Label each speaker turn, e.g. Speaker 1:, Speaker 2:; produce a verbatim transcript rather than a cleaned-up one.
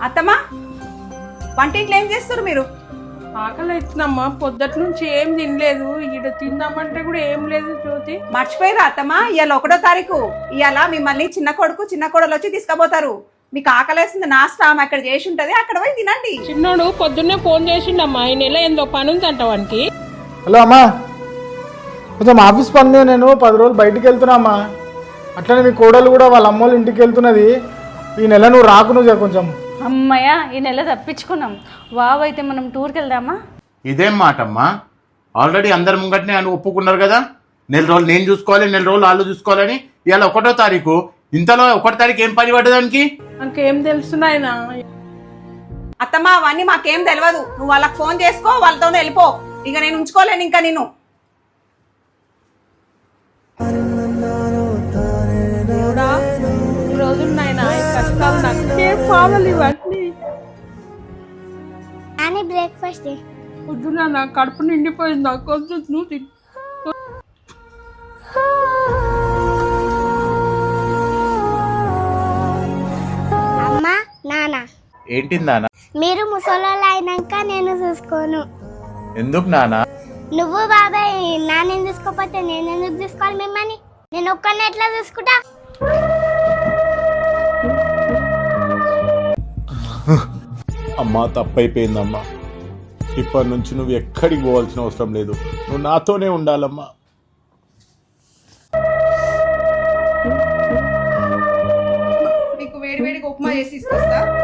Speaker 1: అత్తమ్మా వంటింట్లో ఏం చేస్తారు మీరు?
Speaker 2: ఆకలి అవుతుందమ్మా, పొద్దుటి నుంచి ఏం తినలేదు. ఈడ తిందామంటే కూడా ఏం లేదు. జ్యోతి
Speaker 1: మర్చిపోయిరా అత్తమ్మా, ఇవాళ ఒకటో తారీఖు. ఇవాళ మిమ్మల్ని చిన్న కొడుకు చిన్న కోడలు వచ్చి తీసుకుపోతారు. మీకు ఆకలేస్తుంది, నాస్తా అక్కడ చేసి ఉంటది, అక్కడ పోయి తినండి.
Speaker 2: చిన్నోడు పొద్దున్నే ఫోన్ చేసిండమ్మా, ఈ నెల ఏందో పని ఉందంట వానికి.
Speaker 3: హలో అమ్మా, కొంచెం ఆఫీస్ పని మీద నేను పది రోజులు బయటికి వెళ్తున్నా అమ్మా. అట్లనే మీ కోడలు కూడా వాళ్ళ అమ్మోళ్ళ ఇంటికి వెళ్తున్నది. ఈ నెల నువ్వు రాకు, నువ్వు కొంచెం.
Speaker 4: అమ్మయ్య, ఈ నెల తప్పించుకున్నాం. వావ్, అయితే మనం టూర్కి వెళ్దామా?
Speaker 5: ఇదేం మాటమ్మా, ఆల్రెడీ అందరి ముంగట్నే అని ఒప్పుకున్నారు కదా. నెల రోజులు నేను చూసుకోవాలి, నెల రోజులు వాళ్ళు చూసుకోవాలని. ఇవాళ ఒకటో తారీఖు, ఇంతలో ఒకటో తారీఖు ఏం పని పడ్డదానికి?
Speaker 2: నాకేం తెలుసునాయన.
Speaker 1: అత్తమ్మా అవన్నీ మాకేం తెలియదు. నువ్వు వాళ్ళకి ఫోన్ చేసుకో, వాళ్ళతోనే వెళ్ళిపో. ఇక నేను ఉంచుకోలేను ఇంకా నేను.
Speaker 2: రోజులు నాయన కష్టాలు నాకేం కావాలి ఇవన్నీ.
Speaker 6: అని బ్రేక్ఫాస్ట్
Speaker 2: పొద్దున నా కడుపు నిండిపోయింది, నాకు వద్దు, నువ్వు తిను.
Speaker 6: అమ్మా నాన్న,
Speaker 5: ఏంటి నాన్న?
Speaker 6: మీరు ముసలోళ్ళు అయినాక నేను చూసుకోను.
Speaker 5: ఎందుకు నాన్న?
Speaker 6: నువ్వు బాబాయ్ నాన్న చూసుకోకపోతే నేను ఎందుకు చూసుకోవాలి మిమ్మల్ని? నేను ఒక్కరిని ఎట్లా చూసుకుంటా?
Speaker 7: అమ్మా, తప్పైపోయిందమ్మా. ఇప్పటి నుంచి నువ్వు ఎక్కడికి పోవాల్సిన అవసరం లేదు, నువ్వు నాతోనే ఉండాలమ్మా.
Speaker 1: మీకు వేడి వేడిగా ఉప్మా చేసి తీసుకొస్తా.